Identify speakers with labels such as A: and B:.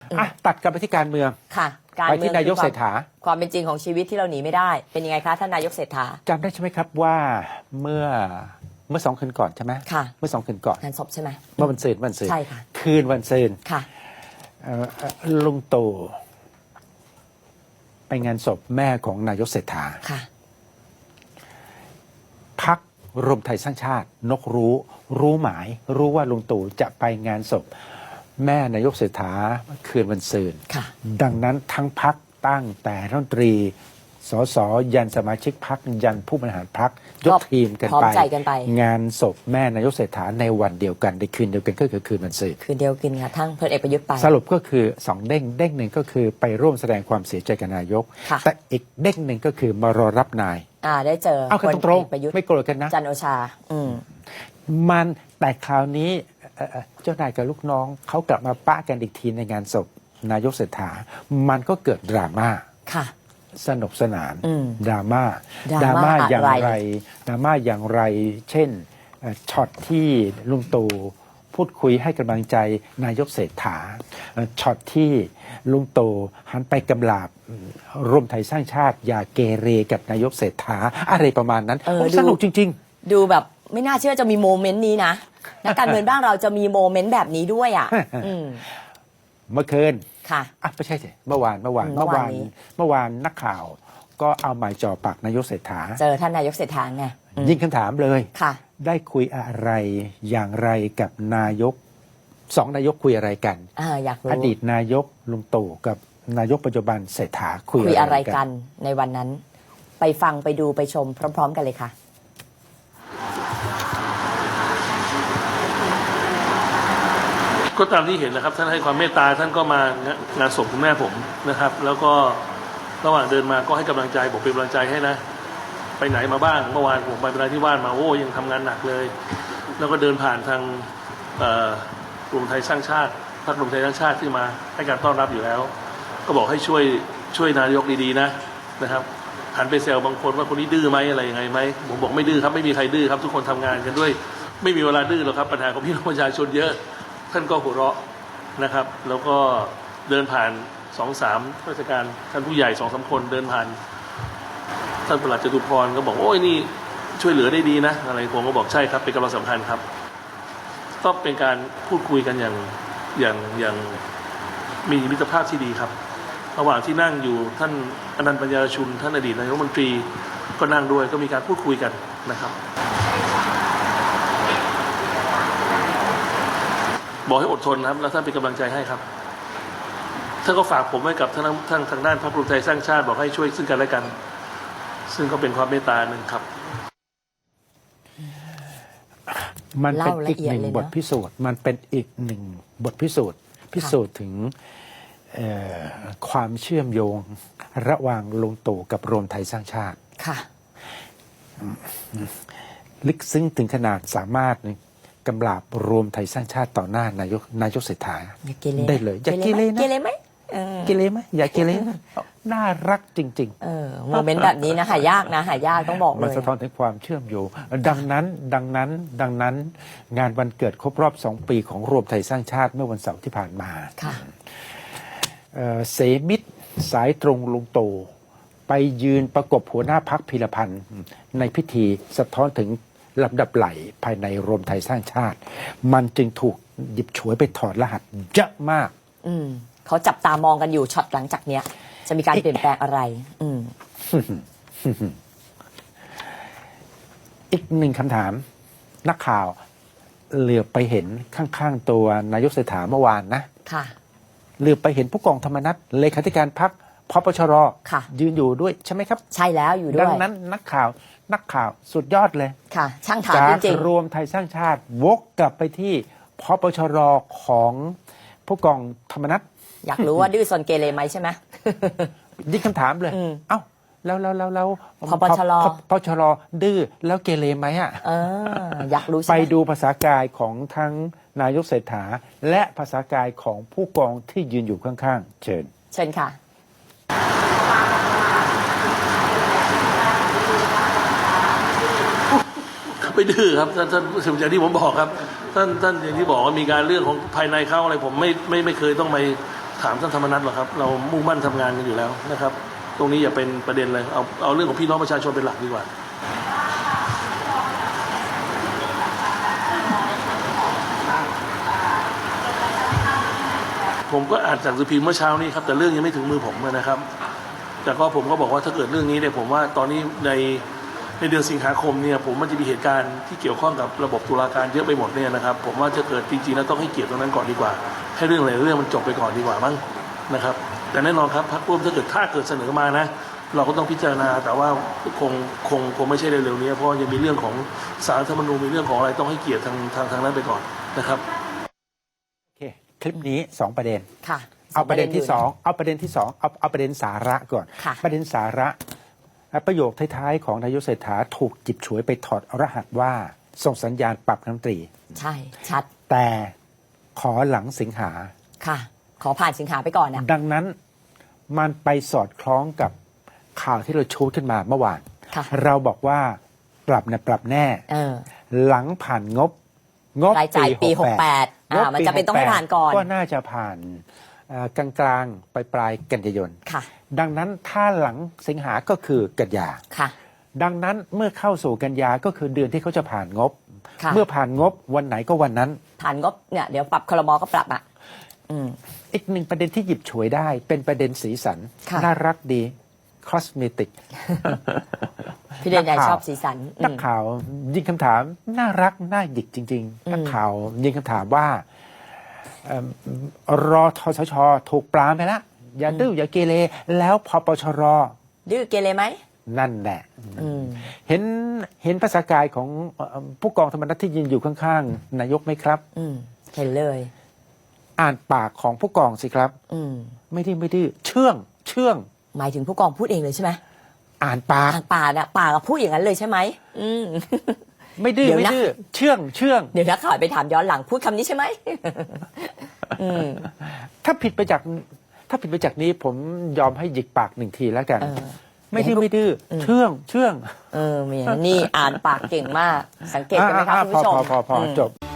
A: ตัดกลับไปที่การเมือง
B: ค่ะการ
A: ไป
B: เมือง
A: ที่นายกเศรษฐา
B: ความเป็นจริงของชีวิตที่เราหนีไม่ได้เป็นยังไงคะท่านนายกเศรษฐา
A: จำได้ใช่ไหมครับว่าเมื่อ2 คืนก่อนใช่ไหม
B: ค่ะ
A: เมื่อ2 คืนก่อน
B: งานศพใช่ไหม
A: เมื่อวันศุกร์
B: ใช่ค่ะ
A: คืนวันศุกร์
B: ค่ะ
A: ลุงตู่ไปงานศพแม่ของนายกเศรษฐา
B: ค่ะ
A: พรรครวมไทยสร้างชาตินกรู้หมายรู้ว่าลุงตู่จะไปงานศพแม่นายกเศรษฐาคืนวันศุกร์ดังนั้นทั้งพรรคตั้งแต่รัฐมนตรีสสยันสมาชิกพรรคยันผู้บริหารพรรคยกทีมกันไปงานศพแม่นายกเศรษฐาในวันเดียวกันในคืนเดียวกันก็คือคืนวันศุกร์
B: คืนเดียวกันค่ะทั้งพลเอกประยุทธ์ไป
A: สรุปก็คือ2 เด้งหนึ่งก็คือไปร่วมแสดงความเสียใจกับนายกแต่อีกเด้งหนึ่งก็คือมารอรับนาย
B: ได้เจอ
A: พลเอกประยุทธ์ไม่โกรธกันนะ
B: จันโอชา
A: มันแต่คราวนี้เจ้านายกับลูกน้องเขากลับมาปะกันอีกทีในงานศพนายกเศรษฐามันก็เกิดดราม่า
B: ค่ะ
A: สนุกสนานดราม่าอย่างไรเช่นช็อตที่ลุงตู่พูดคุยให้กำลังใจนายกเศรษฐาช็อตที่ลุงตู่หันไปกำลาบรวมไทยสร้างชาติอย่าเกเรกับนายกเศรษฐาอะไรประมาณนั้นสนุกจริง
B: ๆดูแบบไม่น่าเชื่อจะมีโมเมนต์นี้นะนักการเมืองบ้านเราจะมีโมเมนต์แบบนี้ด้วยอ่ะ
A: เมื่อคืน
B: ค่ะ
A: ไม่ใช่สิเมื่อวานนักข่าวก็เอาหมายจ่อปากนายกเศรษฐา
B: เจอท่านนายกเศรษฐาไง
A: ยิงคำถามเลย
B: ค่ะ
A: ได้คุยอะไรอย่างไรกับนายก2 นายกคุยอะไรกัน
B: อยากรู้
A: อดีตนายกลุงตู่กับนายกปัจจุบันเศรษฐาคุย
B: อะไรกันในวันนั้นไปฟังไปดูไปชมพร้อมๆกันเลยค่ะ
C: ก็ตามที่เห็นนะครับท่านให้ความเมตตาท่านก็มางานศพคุณแม่ผมนะครับแล้วก็ระหว่างเดินมาก็ให้กำลังใจบอกเป็นกำลังใจให้นะไปไหนมาบ้างเมื่อวานผมไปนราธิวาสมาโอ้ยังทำงานหนักเลยแล้วก็เดินผ่านทางรวมไทยสร้างชาติพรรครวมไทยสร้างชาติที่มาให้การต้อนรับอยู่แล้วก็บอกให้ช่วยนายกดีๆนะครับหันไปแซวบางคนว่าคนนี้ดื้อไหมอะไรยังไงไหมผมบอกไม่ดื้อครับไม่มีใครดื้อครับทุกคนทำงานกันด้วยไม่มีเวลาดื้อหรอกครับปัญหาของพี่น้องประชาชนเยอะท่านก็หัวเราะนะครับแล้วก็เดินผ่าน2-3ราชการท่านผู้ใหญ่2-3 คนเดินผ่านท่านปลัดจตุพรก็บอกโอ้ยนี่ช่วยเหลือได้ดีนะอะไรผมก็บอกใช่ครับเป็นกำลังสำคัญครับก็เป็นการพูดคุยกันอย่างมีมิตรภาพที่ดีครับระหว่างที่นั่งอยู่ท่านอนันต์ปัญญารชุนท่านอดีตนายกรัฐมนตรีก็นั่งด้วยก็มีการพูดคุยกันนะครับบอกให้อดทนครับแล้วท่านเป็นกำลังใจให้ครับท่านก็ฝากผมไว้กับท่านทางด้านพรรครวมไทยสร้างชาติบอกให้ช่วยซึ่งกันและกันซึ่งก็เป็นความเมตตาหนึ่งครับ
A: มันเป็นอีกหนึ่งบทพิสูจน์มันเป็นอีกหนึ่งบทพิสูจน์ถึงความเชื่อมโยงระหว่างลุงตู่กับรวมไทยสร้างชาติ
B: ค่ะ
A: ลึกซึ้งถึงขนาดสามารถกำลาบรวมไทยสร้างชาติต่อหน้านายกเศรษฐาได้เลยอย่าเกเรนะ
B: เกเรไหม
A: เกเรไหมอย่าเกเรน่ารักจริง
B: ๆโมเมนต์แบบนี้นะหายากนะหายากต้องบอกเลย
A: มันสะท้อนถึงความเชื่อมโยงดังนั้นงานวันเกิดครบรอบ 2 ปีของรวมไทยสร้างชาติเมื่อวันเสาร์ที่ผ่านมาเสมิตรสายตรงลุงตู่ไปยืนประกบหัวหน้าพรรคพีรพันธ์ในพิธีสะท้อนถึงลำดับไหลภายในรวมไทยสร้างชาติมันจึงถูกหยิบฉวยไปถอดรหัสเยอะมาก
B: เขาจับตามองกันอยู่ช็อตหลังจากเนี้ยจะมีการเปลี่ยนแปลงอะไร
A: อีกหนึ่งคำถามนักข่าวเหลือบไปเห็นข้างๆตัวนายกเศรษฐาเมื่อวานนะ
B: ค่ะ
A: เหลือบไปเห็นผู้กองธรรมนัสเลขาธิการพรรคพปชรยืนอยู่ด้วยใช่ไหมครับ
B: ใช่แล้วอยู่ด้วย
A: ดังนั้นนักข่าวสุดยอดเลย
B: ค่ะช่างถามจริงๆ
A: จากรวมไทยสร้างชาติวกกลับไปที่พปชรของผู้กองธรรมนัส
B: อยากรู้ว่าดื้อซนเกเรไหมใช่ไหม
A: ยิ่งคำถามเลยเอ้าแล้ว
B: พปชร
A: ดื้อแล้วเกเรไหม
B: อยากรู้
A: ไปดูภาษากายของทั้งนายกเศรษฐาและภาษากายของผู้กองที่ยืนอยู่ข้างๆเชิญ
B: ค่ะ
C: ไม่ดื้อครับท่านอย่างที่ผมบอกครับท่านอย่างที่บอกว่ามีการเรื่องของภายในเขาอะไรผมไม่เคยต้องไปถามท่านธรรมนัสหรอกครับเรามุ่งมั่นทำงานกันอยู่แล้วนะครับตรงนี้อย่าเป็นประเด็นเลยเอาเรื่องของพี่น้องประชาชนเป็นหลักดีกว่าผมก็อ่านจากสื่อพิมพ์เมื่อเช้านี้ครับแต่เรื่องยังไม่ถึงมือผมนะครับแต่ก็ผมก็บอกว่าถ้าเกิดเรื่องนี้เนี่ยผมว่าตอนนี้ในเดือนสิงหาคมเนี่ยผมมันจะมีเหตุการณ์ที่เกี่ยวข้องกับระบบตุลาการเยอะไปหมดเนี่ยนะครับผมว่าจะเกิดจริงๆแล้วต้องให้เกียรติตรงนั้นก่อนดีกว่าให้เรื่องอะไรเรื่องมันจบไปก่อนดีกว่ามั้งนะครับแต่แน่นอนครับพรรคร่วมถ้าเกิดเสนอมานะเราก็ต้องพิจารณาแต่ว่าคงไม่ใช่เร็วๆนี้เพราะยังมีเรื่องของศาลรัฐธรรมนูญมีเรื่องของอะไรต้องให้เกียรติทางนั้นไปก่อนนะครับ
A: โอเคคลิปนี้2ประเด็น
B: ค่ะ
A: เอาประเด็นที่2เอาประเด็นที่2เอาประเด็นสาระก่อนประเด็นสาระประโยคท้ายๆของนายกเศรษฐาถูกจิบฉวยไปถอดรหัสว่าส่งสัญญาณปรับรัฐมนตรี
B: ใช่ชัด
A: แต่ขอหลังสิงหา
B: ค่ะขอผ่านสิงหาไปก่อนนะ
A: ดังนั้นมันไปสอดคล้องกับข่าวที่เราชูขึ้นมาเมื่อวานเราบอกว่าปรับเนี่ยปรับแน่หลังผ่านงบ
B: รายจ่ายปี68มันจะเป็นต้องให้ผ่านก่อน
A: ก็น่าจะผ่านกลางๆปลายกันยายนดังนั้นถ้าหลังสิงหาก็คือกันยาดังนั้นเมื่อเข้าสู่กันยาก็คือเดือนที่เขาจะผ่านงบเมื่อผ่านงบวันไหนก็วันนั้น
B: ผ่านงบเนี่ยเดี๋ยวปรับครม.ก็ปรับอ่ะ
A: อีกหนึ่งประเด็นที่หยิบฉวยได้เป็นประเด็นสีสันน่ารักดีคอสเมติก
B: พี่เดนใหญ่ชอบสีสัน
A: นักข่าวยิงคำถามน่ารักน่าหยิกจริงๆนักข่าวยิงคำถามว่ารอทชชถูกปรามไปแล้วอย่าดื้ออย่าเกเรแล้วพปชร
B: ดื้อเกเรไหม
A: นั่นแหละเห็นภาษากายของผู้กองธรรมนัฐที่ยืนอยู่ข้างๆนายกไหมครับ
B: เห็นเลย
A: อ่านปากของผู้กองสิครับไม่ดื้อเชื่อง
B: หมายถึงผู้กองพูดเองเลยใช่ไหม
A: อ่านปาก
B: ปากพูดอย่างนั้นเลยใช่ไหม
A: ไม่ดื้อเชื่อง
B: เดี๋ยวนักข่าวไปถามย้อนหลังพูดคำนี้ใช่ไหม
A: ถ้าผิดไปจากนี้ผมยอมให้หยิกปาก1 ทีแล้วกันไม่ดื้อเชื่อง
B: มีนี่อ่านปากเก่งมากสังเกตกันไหมครับคุณผู้ชม
A: พอจบ